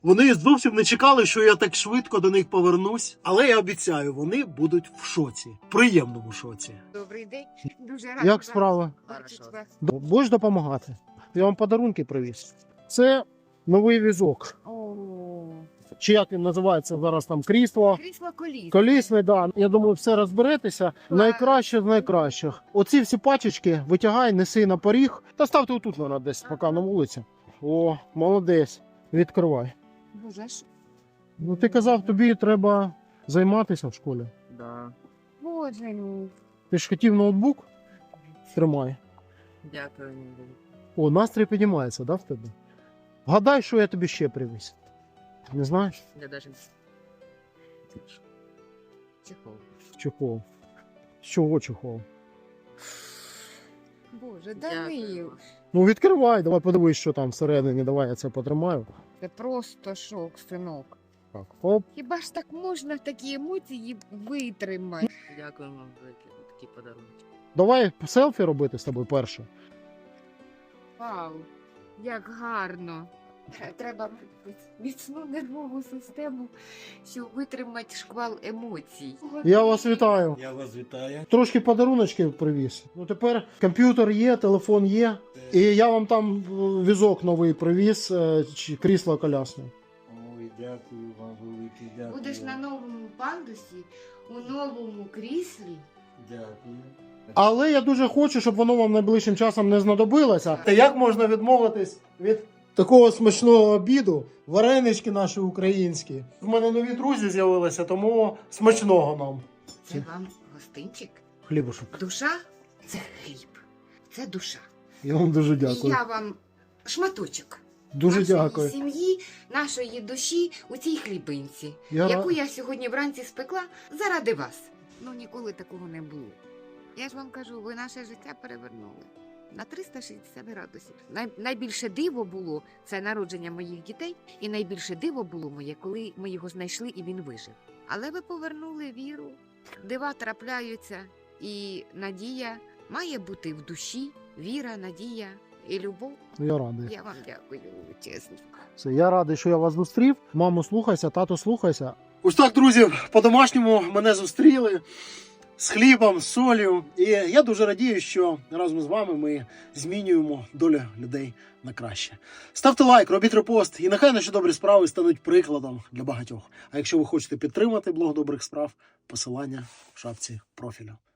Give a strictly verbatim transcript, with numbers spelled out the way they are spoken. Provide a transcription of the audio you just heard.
Вони зовсім не чекали, що я так швидко до них повернусь, але я обіцяю, вони будуть в шоці, в приємному шоці. Добрий день. Дуже рада. Як справа? бачити вас. Будеш допомагати? Я вам подарунки привіз. Це новий візок. О, Чи як він називається зараз там крісло? крісло коліс. Колісний, да. Я думаю, все розберетеся. Найкраще з найкращих. Оці всі пачечки витягай, неси на поріг. Та ставте отут вона десь, поки на вулиці. О, молодець. Відкривай. Боже, що? Ну ти казав, тобі треба займатися в школі. Да. Боже мій. Ти ж хотів ноутбук? Тримай. Дякую. О, настрій піднімається, да, в тебе? Гадай, що я тобі ще привіз. Не знаєш? Я даже... Чехол. Чехол. З чого чехол? Боже, Данил. Дякую. Ну відкривай, давай подивись, що там всередині. Давай я це потримаю. Це просто шок, синок. Так, оп. Хіба ж так можна такі емоції витримати? Дякую вам за такі подарунки. Давай селфі робити з тобою перше. Вау, як гарно. Треба міцну нервову систему, щоб витримати шквал емоцій. Я вас вітаю. Я вас вітаю. Трошки подаруночків привіз. Ну тепер комп'ютер є, телефон є. І я вам там е, візок новий привіз, е, чи крісло колясне. Ой, дякую вам велике, дякую. Будеш на новому пандусі, у новому кріслі. Дякую. Але я дуже хочу, щоб воно вам найближчим часом не знадобилося. Та як можна відмовитись від такого смачного обіду? Варенички наші українські. В мене нові друзі з'явилися, тому смачного нам. Це вам гостинчик. Хлібушок. Душа це хліб. Це душа. Я вам дуже І дякую. я вам шматочок. Дуже нашої дякую. сім'ї, нашої душі у цій хлібинці, Я яку ра- я сьогодні вранці спекла заради вас. Ну ніколи такого не було. Я ж вам кажу, ви наше життя перевернули на триста шістдесят градусів. Най... Найбільше диво було це народження моїх дітей, і найбільше диво було моє, коли ми його знайшли і він вижив. Але ви повернули віру, дива трапляються, і надія має бути в душі, віра, надія і любов. Я радий. Я вам дякую, чесно. Все, я радий, що я вас зустрів. Мамо, слухайся, тато, слухайся. Ось так, друзі, по-домашньому мене зустріли з хлібом, з солью. І я дуже радію, що разом з вами ми змінюємо долю людей на краще. Ставте лайк, робіть репост, і нехай наші добрі справи стануть прикладом для багатьох. А якщо ви хочете підтримати блог добрих справ, посилання в шапці профілю.